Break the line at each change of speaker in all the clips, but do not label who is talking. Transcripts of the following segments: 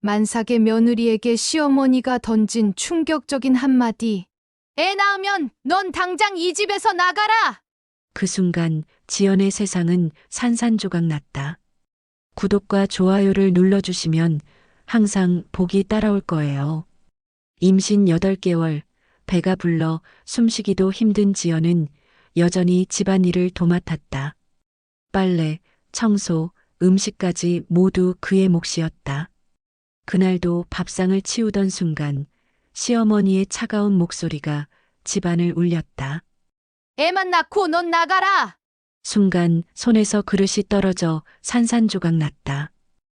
만삭의 며느리에게 시어머니가 던진 충격적인 한마디. 애 낳으면 넌 당장 이 집에서 나가라!
그 순간 지연의 세상은 산산조각 났다. 구독과 좋아요를 눌러주시면 항상 복이 따라올 거예요. 임신 8개월, 배가 불러 숨쉬기도 힘든 지연은 여전히 집안일을 도맡았다. 빨래, 청소, 음식까지 모두 그의 몫이었다. 그날도 밥상을 치우던 순간 시어머니의 차가운 목소리가 집안을 울렸다.
애만 낳고 넌 나가라!
순간 손에서 그릇이 떨어져 산산조각 났다.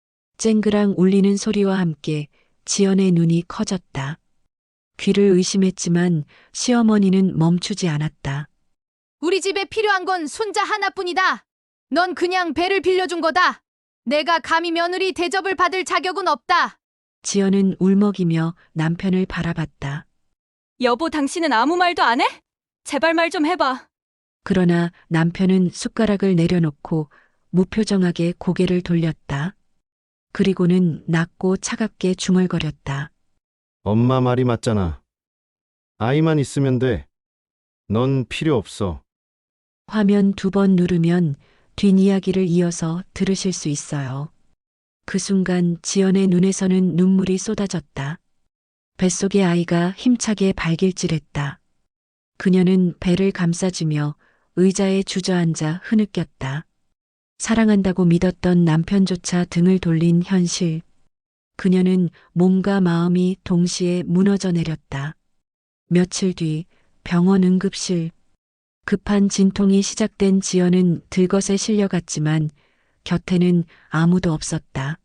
쨍그랑 울리는 소리와 함께 지연의 눈이 커졌다. 귀를 의심했지만 시어머니는 멈추지 않았다.
우리 집에 필요한 건 손자 하나뿐이다. 넌 그냥 배를 빌려준 거다. 내가 감히 며느리 대접을 받을 자격은 없다.
지연은 울먹이며 남편을 바라봤다.
여보, 당신은 아무 말도 안 해? 제발 말 좀 해봐.
그러나 남편은 숟가락을 내려놓고 무표정하게 고개를 돌렸다. 그리고는 낮고 차갑게 중얼거렸다.
엄마 말이 맞잖아. 아이만 있으면 돼. 넌 필요 없어.
화면 2번 누르면 뒷이야기를 이어서 들으실 수 있어요. 그 순간 지연의 눈에서는 눈물이 쏟아졌다. 뱃속의 아이가 힘차게 발길질했다. 그녀는 배를 감싸주며 의자에 주저앉아 흐느꼈다. 사랑한다고 믿었던 남편조차 등을 돌린 현실. 그녀는 몸과 마음이 동시에 무너져 내렸다. 며칠 뒤 병원 응급실. 급한 진통이 시작된 지연은 들것에 실려갔지만 곁에는 아무도 없었다.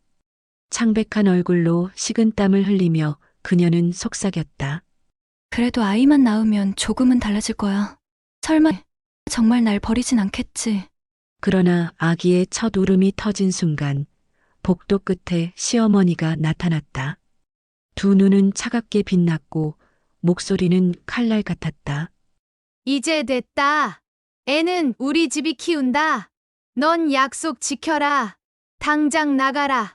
창백한 얼굴로 식은땀을 흘리며 그녀는 속삭였다.
그래도 아이만 낳으면 조금은 달라질 거야. 설마 정말 날 버리진 않겠지.
그러나 아기의 첫 울음이 터진 순간 복도 끝에 시어머니가 나타났다. 두 눈은 차갑게 빛났고 목소리는 칼날 같았다.
이제 됐다. 애는 우리 집이 키운다. 넌 약속 지켜라. 당장 나가라.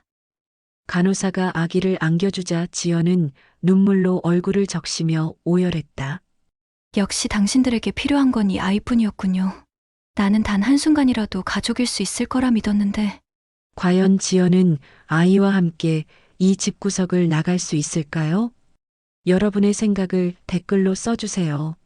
간호사가 아기를 안겨주자 지연은 눈물로 얼굴을 적시며 오열했다.
역시 당신들에게 필요한 건 이 아이뿐이었군요. 나는 단 한순간이라도 가족일 수 있을 거라 믿었는데.
과연 지연은 아이와 함께 이 집구석을 나갈 수 있을까요? 여러분의 생각을 댓글로 써주세요.